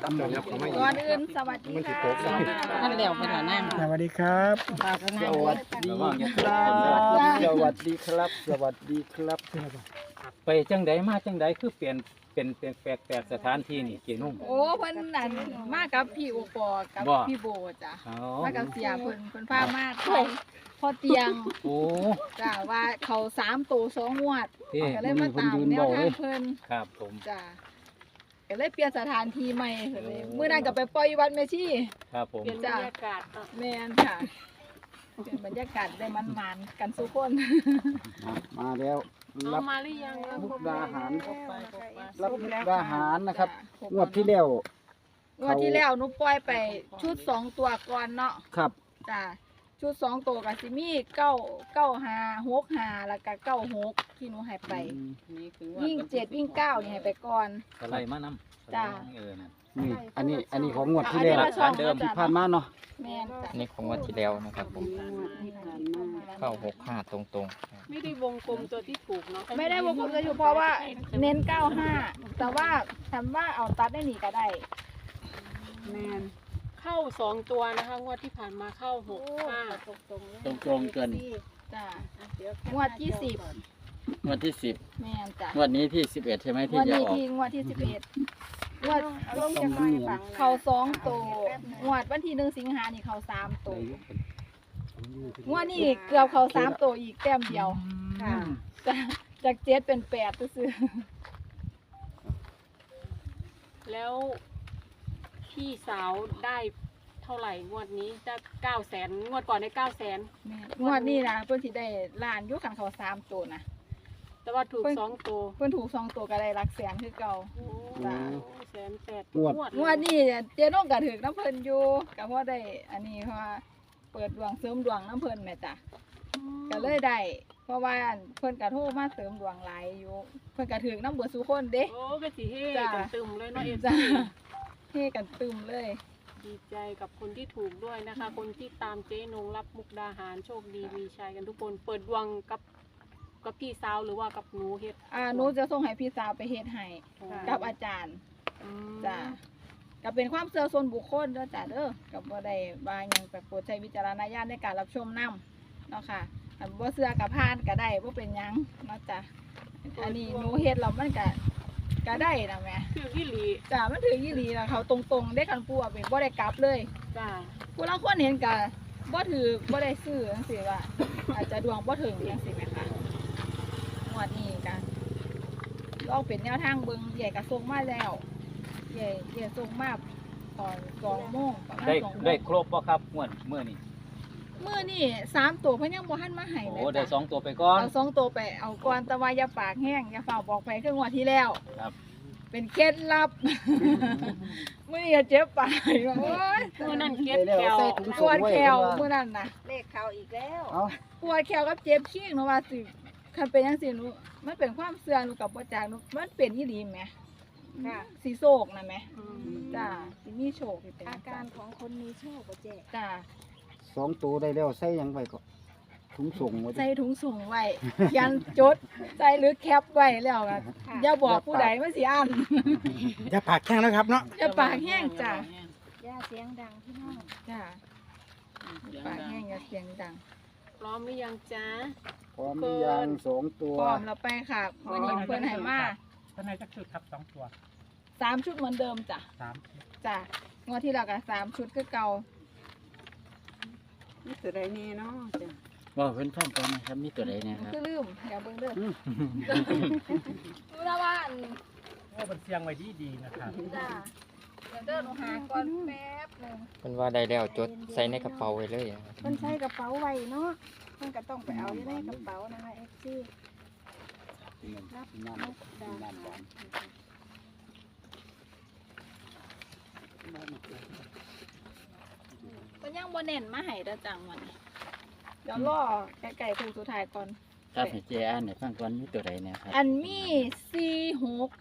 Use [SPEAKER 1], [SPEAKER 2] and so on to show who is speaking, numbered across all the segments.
[SPEAKER 1] ก่อนอื่นสวัสดีค่ะ
[SPEAKER 2] ท่านเลี้ยวไปหานั่ง
[SPEAKER 3] สวัสดีครับ
[SPEAKER 2] ปากก็นั่
[SPEAKER 4] ส
[SPEAKER 2] ง
[SPEAKER 4] วัสดีครับสวัสดีครับ สวัสดีครับ
[SPEAKER 5] ไปจังใดมาจังใดคือเปลี่ยนเป็นแปลกสถานที่นี่เจนุ่ง
[SPEAKER 1] โอ้เพิ่นนั่นมากับพี่โอปอกับ
[SPEAKER 5] บ่
[SPEAKER 1] พี่โบจ้ะ
[SPEAKER 5] อ๋อ
[SPEAKER 1] มากับเสียเพิ่นพามาไทยพอเตียง
[SPEAKER 5] โอ้
[SPEAKER 1] จ้ะว่าเขา3ตัว2งวด
[SPEAKER 5] ที่
[SPEAKER 1] ก็เลยมาตามแนวทางเพิ่น
[SPEAKER 5] ครับผม
[SPEAKER 1] จ้ะก็เลยเปลี่ยนสถานที่ใหม่ก็เลยมื้อนั้นก็ไปปล่อยวัดแม่ชี
[SPEAKER 5] ครับผม
[SPEAKER 2] เปลี่ยนบรรยากาศเนาะ
[SPEAKER 1] แม่นค่ะเปลี่ยนบรรยากาศได้มันๆกันทุกคน
[SPEAKER 4] มาแล้ว
[SPEAKER 2] เอา
[SPEAKER 4] รับ
[SPEAKER 2] มาหรือยัง
[SPEAKER 4] มุกดาหาร
[SPEAKER 2] ครบไปครบไป
[SPEAKER 4] รับมุกดาหารนะครับ
[SPEAKER 1] จ้
[SPEAKER 4] งวดที่แล้ว
[SPEAKER 1] งวดที่แล้วหนูปล่อยไปชุด2ตัวก่อนเนาะ
[SPEAKER 4] ครับ
[SPEAKER 1] จ้ะชุด2ตัวกับซิมี9 5 6 5แล้วก็96ที่หนูให้ไป
[SPEAKER 2] นี่คือ
[SPEAKER 1] วิ่ง7วิ่ง9นี่ให้ไปก่อน
[SPEAKER 5] อะไรมานำ
[SPEAKER 1] จ้ะ
[SPEAKER 5] นั่น
[SPEAKER 4] นี่อันนี้ของงวดที่แล้ว
[SPEAKER 1] อันนี้มาช่อง
[SPEAKER 5] เดิม
[SPEAKER 4] ที่ผ่านมาเนาะ
[SPEAKER 1] แม่นจ้ะ
[SPEAKER 6] นี่ของวันที่แล้วนะครับผมเข้า65ตรง
[SPEAKER 2] ไม่ได้วงกลมตัวที่ถูกเนาะ
[SPEAKER 1] ไม่ได้วงกลมจะอยู่เพราะว่าเน้น95แต่ว่าถามว่าเอาตัดได้หนีก็ได้
[SPEAKER 2] แมนเข้า2ตัวนะคะงวดที่ผ่านมาเข้า6 5
[SPEAKER 4] ตรงเกิน
[SPEAKER 1] จ้ะงวดที่10
[SPEAKER 4] งวดที่10
[SPEAKER 1] แม่นจ้ะ
[SPEAKER 4] งวดนี้ที่11ใช่ไหม
[SPEAKER 1] ง
[SPEAKER 4] ที่
[SPEAKER 1] วด
[SPEAKER 4] จะ
[SPEAKER 1] นี้
[SPEAKER 4] ออก
[SPEAKER 1] ที่งวดที่11งวดเขา2ตัวงวดวันที่1สิงหานี่เขา3ตัวงวดนี้เกือบเขา3ตัวอีกแต้มเดียว
[SPEAKER 2] ค่ะ
[SPEAKER 1] จาก7เป็น8ซื่อ
[SPEAKER 2] แล้วพี่สาวได้เท่าไหร่งวดนี้ได้900,000งวดก่อนได้900,000
[SPEAKER 1] แม่งวดนี้นะเพิ่นสิได้ล้านอยู่คันเขา3ตัวนะ
[SPEAKER 2] แต่ว่าถูก2ตัว
[SPEAKER 1] เพิ่นถูก2ตัวก็ได้หลักแสนคือเก่า
[SPEAKER 2] โอ้
[SPEAKER 1] จ้ะ
[SPEAKER 2] 180,000
[SPEAKER 4] งวด
[SPEAKER 1] งวดนี้เจ๊น้องก็ถึกน้ำเพิ่นอยู่ก็เพราะได้อันนี้เพราะว่าเปิดดวงเสริมดวงน้ำเพิ่นแม่จ้ะก็เลยได้เพราะว่าเพิ่นก็โทรมาเสริมดวงหลายอยู่เพิ่นก็ถึกน้ำเบิดสุคนเด้
[SPEAKER 2] โอ้ก็สิเฮ
[SPEAKER 1] จ้ะ
[SPEAKER 2] กันตึมเลยเนาะเอฟ
[SPEAKER 1] จ้ะ
[SPEAKER 2] ซี
[SPEAKER 1] เฮกันตึมเลย
[SPEAKER 2] ดีใจกับคนที่ถูกด้วยนะคะ คนที่ตามเจ๊นงรับมุกดาหารโชคดีมีชัยกันทุกคนเปิดดวงกับพี่สาวหรือว่ากับหนูเฮ็ด
[SPEAKER 1] หนูจะส่งให้พี่สาวไปเฮ็ดให้กับอาจารย์
[SPEAKER 2] อืม
[SPEAKER 1] จ้ะก็เป็นความเชื่อส่วนบุคคลเด้อจ้ะเด้อก็บ่ได้ว่าหยังแต่โปรดใช้วิจารณญาณในการรับชมนํเนาะค่ะอันบ่เชื่อก็ผ่านก็ได้บ่เป็นหยังเนาะจ้ะอันนี้หนูเฮ็ดแล้วมันก็ได้นะแม่
[SPEAKER 2] คือพี่หลี
[SPEAKER 1] จ้ะมันถึงอีหลีนะเขาตรงๆได้คันปูเป็นบ่ได้กลับเลย
[SPEAKER 2] จ้า
[SPEAKER 1] ผู้ลางคนเห็นก็บ่ถือบ่ได้ซื้อจังซี่ว่า อาจจะดวงบ่ถึงจังซี่แม่ค่ะงวดนี้ก็ลองเป็นแนวทางเบิ่งใหญ่ก็ส่งมาแล้วใหญ่ส่งมาตอน2โมงประมาณ
[SPEAKER 5] ได้
[SPEAKER 1] 2โมง
[SPEAKER 5] ได้ครบบ่ครับงวดมื้อนี้
[SPEAKER 1] มื้อนี้3ตัวเพิ่นยังบ่ทันมาให้
[SPEAKER 5] โอ้
[SPEAKER 1] แม่
[SPEAKER 5] ได้
[SPEAKER 1] จ้ะ
[SPEAKER 5] 2ตัวไปก่อน
[SPEAKER 1] เอา2ตัวไปเอาก่อนแต่ว่าอย่าปากแห้งอย่าฝ่าบอกไปคืองวดที่แล้ว
[SPEAKER 5] ครับ
[SPEAKER 1] เป็นเคล็ดลับ มื้อนี้เจ็บปากโอ้ย
[SPEAKER 2] เมื่อนั้นเก็บแก้ว
[SPEAKER 4] ใส่ถุง
[SPEAKER 1] ป
[SPEAKER 4] ส่ง
[SPEAKER 1] วด
[SPEAKER 4] ไว้
[SPEAKER 1] แขว
[SPEAKER 4] เพิ่นว่า
[SPEAKER 1] มื้อนั้นน่ะ
[SPEAKER 7] เลขเขาอีกแล้ว
[SPEAKER 4] เอา
[SPEAKER 1] ปวดแขวกับเจ็บขี้หนูว่าสิคันเป็นจังซี่หนูมันเป็นความเสื่อหนูกับบ่จักหนูมันเป็นอีหลีแหม
[SPEAKER 7] ค่ะ
[SPEAKER 1] สิโศกนะแหม
[SPEAKER 2] อืม
[SPEAKER 1] จ้าสิมีโชคสิเป็น
[SPEAKER 7] อาการของคนมีโชคบ่เจ๊
[SPEAKER 1] จ้า
[SPEAKER 4] 2ตัวได้แล้วใส่หยังไว้ก็ถุงส่งไว้
[SPEAKER 1] ใส่ถุงส่งไว้เขียนจดใส่หรือแคปไว้แล้วก็อย่าบอกผู้ใดมันสิอ่าน
[SPEAKER 3] จะปากแข้งนะครับเนาะ
[SPEAKER 1] อย่าปากแห้งจ้า
[SPEAKER 7] ย่าเสียงดังพี่น้อง
[SPEAKER 1] จ้าปากแห้งอย่าเสียงดัง
[SPEAKER 2] พร้อมหรือยังจ๊ะ
[SPEAKER 4] พร้อมหรือยัง2ตัว
[SPEAKER 1] พร้อมแล้วไปค่ะวันนี้เพิ่นให้มา
[SPEAKER 3] ท่านนายจักชุดครับ2ตัว
[SPEAKER 1] 3ชุดเหมือนเดิมจ้ะ
[SPEAKER 3] 3
[SPEAKER 1] จ้างวดที่แล้วก็3ชุดคือเก่า
[SPEAKER 2] นี่ตัวใดแน่เนาะจ้ะ
[SPEAKER 4] ว่าเพิ่นฟังก่อนนะครับมีตัวใดเนี่ยครับ
[SPEAKER 1] คือลืมอย่าเบิ่งเด้อ
[SPEAKER 4] อืม
[SPEAKER 1] รู้แล้วว่าอัน
[SPEAKER 3] โอ้เป็นเสียงไว้ดีนะครับ
[SPEAKER 1] จ้าเดี๋ยวเดินหนูหาก่อนแป๊บหนึง
[SPEAKER 6] ๆเพิ่นว่าได้แล้วจดใส่ในกระเป๋าไว้เลยนะครับ
[SPEAKER 7] เพิ่นใส่กระเป๋าไว้เนาะเพิ่นก็ต้องไปเอาอยู่ในกระเป๋านะคะ FC รับมุกดาหาร
[SPEAKER 1] ก็ยังบ่เน้นมาให้เด้อจังวันนี้เดี๋ยวรอใกล้ๆคืนสุดท้ายก่อน
[SPEAKER 4] ครับให้เจ๊อ่านให้ฟังก่อนมีตัวใดเนี่ยครับ
[SPEAKER 1] อันมี46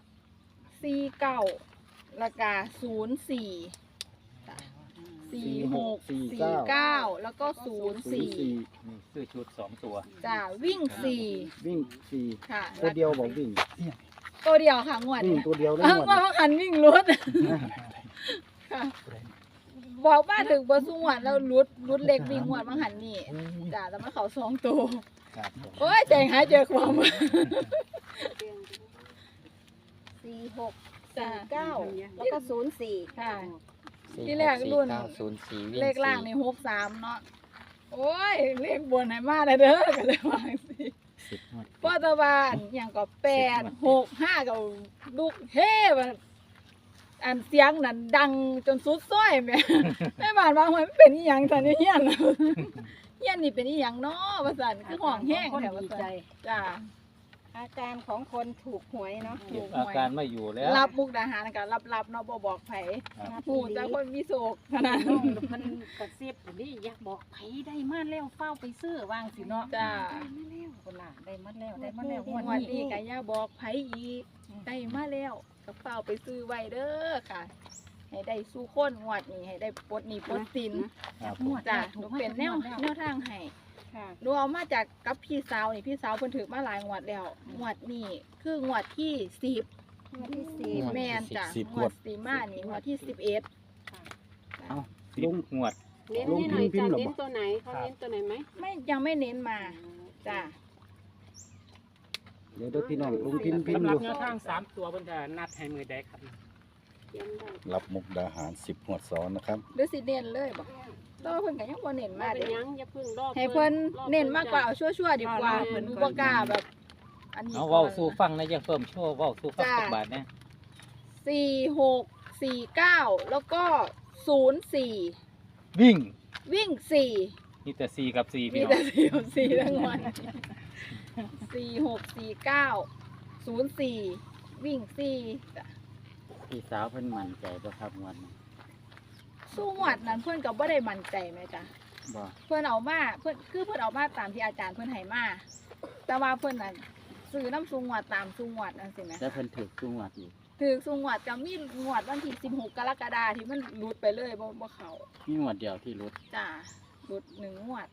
[SPEAKER 1] 49แล้วก็04จ้ะ46 49แล้วก็04
[SPEAKER 5] นี่ซื้อชุด2ตัว
[SPEAKER 1] จ้ะวิ่ง
[SPEAKER 4] วิ่ง
[SPEAKER 1] 4ค่ะ
[SPEAKER 4] 4ตัวเดียวบอกวิ่ง
[SPEAKER 1] ตัวเดียวค่ะงวด
[SPEAKER 4] วิ่ง
[SPEAKER 1] นี้
[SPEAKER 4] ตัวเดียวเลย
[SPEAKER 1] เออ
[SPEAKER 4] หมด
[SPEAKER 1] งวดว่าหันวิ่งรถค่ะบอกว่าถึงบ่สู้งวดแล้วรุดเล็กวิ่งงวดบางหันนี่จ้าแล้วมาเขา2ตัว
[SPEAKER 3] ครับผม
[SPEAKER 1] โอ้ยใจหายใจความ
[SPEAKER 7] 46 49แล้วก็04
[SPEAKER 1] ค่ะ
[SPEAKER 6] สี่
[SPEAKER 1] ที่แรก
[SPEAKER 6] หสี่
[SPEAKER 1] รุ่น
[SPEAKER 6] เก้าศูนย์สี่วิ่ง
[SPEAKER 1] เลขล่าง
[SPEAKER 6] สี่
[SPEAKER 1] นี่63เนาะโอ้ยเลขบนให้มาได้เด้อก็เลยว่าจังซี่
[SPEAKER 5] 10งวด
[SPEAKER 1] พ่อตะวันอย่างก็8 6 5ก็ลูกเฮ้แบบอันเสียงนั่นดังจนสุดซอยแม่ แม่บ้านว่ามันเป็นอีหยังตอนนี้เฮียน เฮียนนี่เป็นอีหยังเนาะว่าซั่นคือห้องแห้งแถวว่าซั่นจ้า
[SPEAKER 7] อาการของคนถูกหวยเนาะ
[SPEAKER 5] เก็บอาการไม่อยู่แล้ว
[SPEAKER 1] รับมุกดาหารก็รับเนาะบ่บอกไผ
[SPEAKER 5] ครับ
[SPEAKER 1] ฮู้แต่คนมีโศกเท่านั้น
[SPEAKER 8] น้องเพิ่นกระซิบนี่อยากบอกไผได้มาแล้วเฝ้าไปซื้อวางสิเนาะ
[SPEAKER 1] จ้า
[SPEAKER 8] คนละได้มาแล้วได้มาแล้ว
[SPEAKER 1] งวดนี้ก็อย่าบอกไผอีกได้มาแล้วก็เฝ้าไปซื้อไว้เด้อค่ะ ให้ได้สู้คนงวดนี้ให้ได้ปลดหนี้ปลดสิน
[SPEAKER 5] ครับผม
[SPEAKER 1] จ้าหนูเป็นแนวทางให้
[SPEAKER 7] ค่ะ
[SPEAKER 1] หนูเอามาจากกับพี่สาวนี่พี่สาวเพิ่นถือมาหลายงวดแล้วงวดนี้คืองวดที่10
[SPEAKER 7] งวดที่
[SPEAKER 1] แม่นจ้ะ
[SPEAKER 4] 10
[SPEAKER 1] งวดสีมานี่งวดที่11
[SPEAKER 5] 10งวด
[SPEAKER 2] เน้นให้หน่อยจ้ะเน้นตัวไหนเขาเน้นตัวไหนไหม
[SPEAKER 1] ไม่ยังไม่เน้นมาจ้ะ
[SPEAKER 4] เดี๋ยวพี่น้องลุงพิมพ์พิม
[SPEAKER 3] สำ
[SPEAKER 4] พ์
[SPEAKER 3] ห
[SPEAKER 4] อ
[SPEAKER 3] รับ
[SPEAKER 4] ยู่
[SPEAKER 3] แนวทาง3ตัวเพิ่นจะนัดให้มือใดครับ
[SPEAKER 2] เขียนได้
[SPEAKER 4] รับมุกดาหาร10 หวดซ้อนนะครับ
[SPEAKER 1] หรือสิเน้นเลยบ่แต่ว่าเพิ่นก็ยังบ่เน้น
[SPEAKER 2] มา
[SPEAKER 1] มา
[SPEAKER 2] เป็น
[SPEAKER 1] เด้
[SPEAKER 2] ยังอย่าเพึ่งรอบ
[SPEAKER 1] ให้เพิ่นเน้นมากกว่าเอาชั่วๆดีกว่าเพิ่นบ่กล้าแบบ อันนี้
[SPEAKER 5] เอาเว้าสู่ฟังนะอย่าเพิ่มโชว์เว้าสู่ฟังสักบาทนะ
[SPEAKER 1] 46 49แล้วก็04
[SPEAKER 5] วิ่ง
[SPEAKER 1] วิ่ง4
[SPEAKER 5] มีแต่4กับ4
[SPEAKER 1] มี
[SPEAKER 5] พี่น้อ
[SPEAKER 1] แต่
[SPEAKER 5] ง
[SPEAKER 1] 4กับ4ทั้งวัน46 49 04วิ่ง4จ้ะ
[SPEAKER 6] พี่สาวเพิ่นมั่นใจบ่ครับงวดนี้
[SPEAKER 1] สู้หวดนั้นเพื่อนก็บ่ได้มั่นใจไหมจ๊ะ
[SPEAKER 6] บ่
[SPEAKER 1] เพื่อนเอามาเพื่อนคือเพื่อนเอามาตามที่อาจารย์เพื่อนให้มาแต่ว่าเพื่อนนั้นซื้อน้ำซุงหวดตามซุงหวดนั่นสิไหม
[SPEAKER 6] แต่เพิ่นถูกทุกงวดอีก
[SPEAKER 1] ถือซุงหวดจะมีหวดวันที่16 กรกฎาคมที่มันหลุดไปเลยบ่เขา
[SPEAKER 6] มีงวดเดียวที่รุด
[SPEAKER 1] จ้าหลุด1 หวด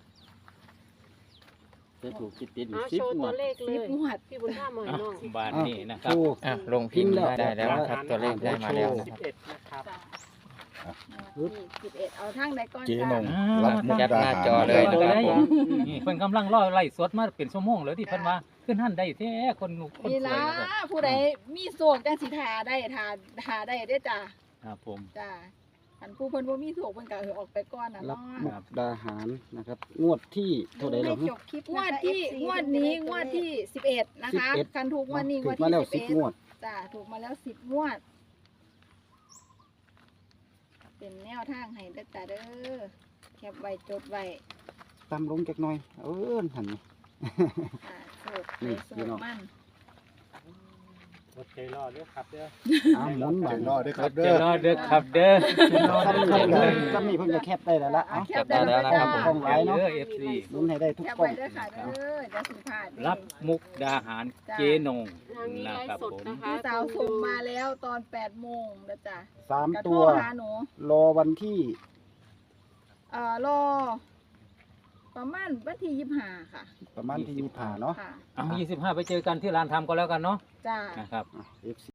[SPEAKER 6] จะถูกติดๆอยู่
[SPEAKER 2] เอา
[SPEAKER 6] 10
[SPEAKER 2] โชว์
[SPEAKER 6] ง
[SPEAKER 2] ตัว ว
[SPEAKER 6] ด
[SPEAKER 2] เลขเลย
[SPEAKER 1] 10 หวด
[SPEAKER 2] พี่บุญธรรมหน่อยน้อง
[SPEAKER 5] บาทนี้นะครับ
[SPEAKER 4] โอ้
[SPEAKER 6] อ่ะลงพิมพ์ได้แล้วนะครับตัวเลขได้มาแล้วนะครับ
[SPEAKER 3] 11นะครับ
[SPEAKER 1] จ้าหวดที่11เอาทางใดก่อน
[SPEAKER 4] เจ๊
[SPEAKER 1] จ้า
[SPEAKER 4] นงรับมุก
[SPEAKER 6] แคป
[SPEAKER 4] ดา
[SPEAKER 6] หน้า
[SPEAKER 4] หาร
[SPEAKER 6] จอเลยนะครับผม
[SPEAKER 5] นี่เพิ่นกำลังรอไล่สดมาเป็นชั่วโมงแล้วที่เพิ่นว่าขึ้นหันได้แท้คนส
[SPEAKER 1] นี่
[SPEAKER 5] วย
[SPEAKER 1] ล่ะ
[SPEAKER 5] เลย
[SPEAKER 1] ผู้ใดมีโศกจังสิทาได้ทาได้เด้อจ้า
[SPEAKER 5] ครับผม
[SPEAKER 1] จ้าอันผู้เพิ่นบ่มีโศกเพิ่นก็ออกไปก่อนน่ะ
[SPEAKER 4] รับ
[SPEAKER 1] เนาะ
[SPEAKER 4] มุกดาหารนะครับ งวดที่เท่าใด
[SPEAKER 7] ให้
[SPEAKER 4] แล้ว
[SPEAKER 7] จบคลิป
[SPEAKER 1] งวดที่งวดนี้งวดที่11นะคะ
[SPEAKER 4] 11
[SPEAKER 1] คันถูกงวดนี้ง
[SPEAKER 4] ถู
[SPEAKER 1] วด
[SPEAKER 4] กมา
[SPEAKER 1] ที่
[SPEAKER 4] แล้ว10 ง
[SPEAKER 1] 11
[SPEAKER 4] วด
[SPEAKER 1] จ้าถูกมาแล้ว10 งวด เป็นแนวทางให้เด้อจ้าเด้อแคปไว้จดไว้
[SPEAKER 4] ตามลงจักหน่อย หันนี่
[SPEAKER 1] โศก
[SPEAKER 4] นี่
[SPEAKER 1] โศ
[SPEAKER 4] พี่
[SPEAKER 1] ก
[SPEAKER 4] น้อง
[SPEAKER 1] มัน
[SPEAKER 3] รถใจรอดเด้อครับเด้อ
[SPEAKER 4] หมุนบาด
[SPEAKER 5] จะรอเด้อครับเด้อ
[SPEAKER 4] ซ้ำนี่เพิ่นซ้ำนี่เพิ่นก็แคปได้แล้วล่ะเอา
[SPEAKER 1] แคปได้แล้ว
[SPEAKER 6] ได้แล้วนะครับ
[SPEAKER 1] จ้า
[SPEAKER 4] ผม ไว้เนาะ
[SPEAKER 5] เด้อ FC
[SPEAKER 4] หมุนให้ได้ทุก
[SPEAKER 1] แคป
[SPEAKER 4] กล้อ
[SPEAKER 1] ไว้
[SPEAKER 4] ง
[SPEAKER 1] เด้อค่ะเด้อจะสิพลาด
[SPEAKER 5] รับมุกดาหารเจนง
[SPEAKER 2] ทางนี้
[SPEAKER 5] นะ
[SPEAKER 2] ไล
[SPEAKER 5] ครับ
[SPEAKER 2] ฟ์สด
[SPEAKER 5] ผม
[SPEAKER 2] นะคะ
[SPEAKER 1] พี่สาวส่งมาแล้วตอน8 โมงนะจ้ะ
[SPEAKER 4] สาม
[SPEAKER 1] กระโท
[SPEAKER 4] ตั
[SPEAKER 1] ร
[SPEAKER 4] ว
[SPEAKER 1] หาหนู
[SPEAKER 4] รอวันที่
[SPEAKER 1] รอประมาณวันที่25ค่ะ
[SPEAKER 4] ประมาณที่25เนาะ
[SPEAKER 1] ค่ะ
[SPEAKER 5] เอา25ไปเจอกันที่ร้านทำก็แล้วกันเนาะ
[SPEAKER 1] จ้า
[SPEAKER 5] นะครับ
[SPEAKER 4] FC